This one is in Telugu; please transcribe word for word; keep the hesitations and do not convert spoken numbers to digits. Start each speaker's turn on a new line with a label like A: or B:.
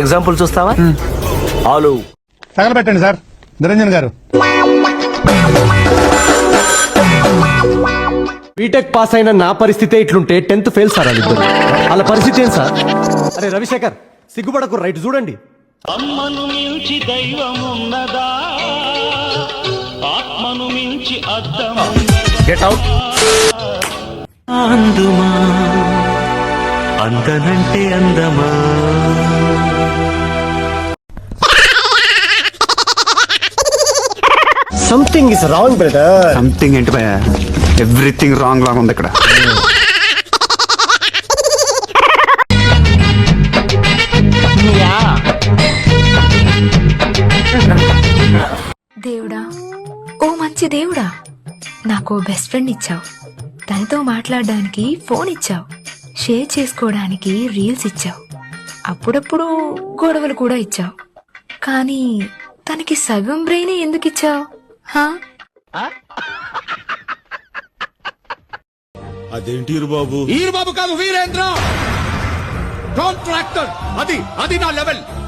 A: ఎగ్జాంపుల్ చూస్తావా? ఆలు
B: తగలబెట్టండి సార్ నిరంజన్ గారు.
C: బీటెక్ పాస్ అయిన నా పరిస్థితి ఇట్లుంటే టెన్త్ ఫెయిల్ సార్ వాళ్ళిద్దరు. వాళ్ళ పరిస్థితి ఏం సార్? అరే రవిశేఖర్ సిగ్గుపడకు, రైట్ చూడండి.
D: అమ్మను మించి దైవం ఉన్నదా, ఆత్మను మించి అద్దం
A: గెట్ అవుట్.
D: అందుమా అందనంటే అందమా.
C: Something is wrong brother.
E: Something ఏంటి భయ, ఎవ్రీథింగ్ రాంగ్ లాగా ఉంది ఇక్కడ.
F: దేవుడా, ఓ మంచి దేవుడా, నాకు బెస్ట్ ఫ్రెండ్ ఇచ్చావు, తనతో మాట్లాడడానికి ఫోన్ ఇచ్చావు, షేర్ చేసుకోవడానికి రీల్స్ ఇచ్చావు, అప్పుడప్పుడు గొడవలు కూడా ఇచ్చావు. కానీ తనకి సగం బ్రెయిన్ ఎందుకు ఇచ్చావు?
G: అదేంటి బాబు? ఈరు బాబు కాదు, వీరేంద్ర కాంట్రాక్టర్. అది అది నా లెవెల్.